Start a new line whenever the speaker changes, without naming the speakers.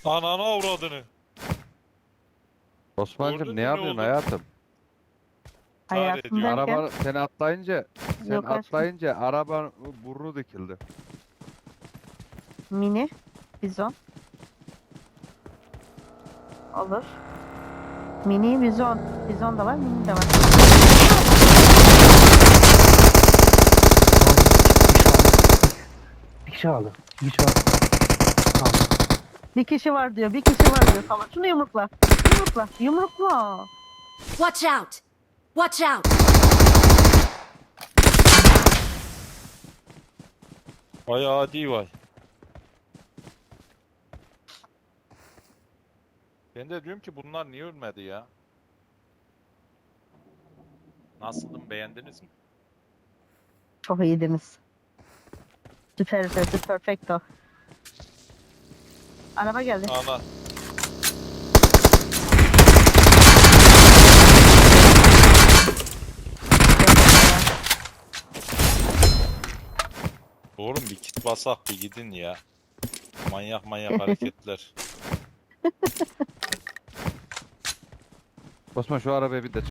Ananı avradını.
Osman'cım
Gördün
ne
mü ne
yapıyorsun
oldu?
hayatım?
Çare
Hayatım
ediyor.
derken
Araba sen atlayınca
yok aşkım.
araba burnu dikildi.
Mini, bizon. Olur. Mini, bizon. Bizon da var, mini de var.
Bir kişi aldı. Bir kişi aldı. Aldı.
Bir kişi var diyor, bir kişi var diyor. Salak. Şunu yumrukla. Yumrukla. Yumrukla.
Watch out! Watch out!
Vay adi vay. Ben de diyorum ki bunlar niye ölmedi ya? Nasıldım, beğendiniz mi?
Çok iyiydiniz. Süper, perfecto. Araba geldi.
Ana. Oğlum bir kit basak bir gidin ya. Manyak manyak hareketler.
Osman şu arabaya bir de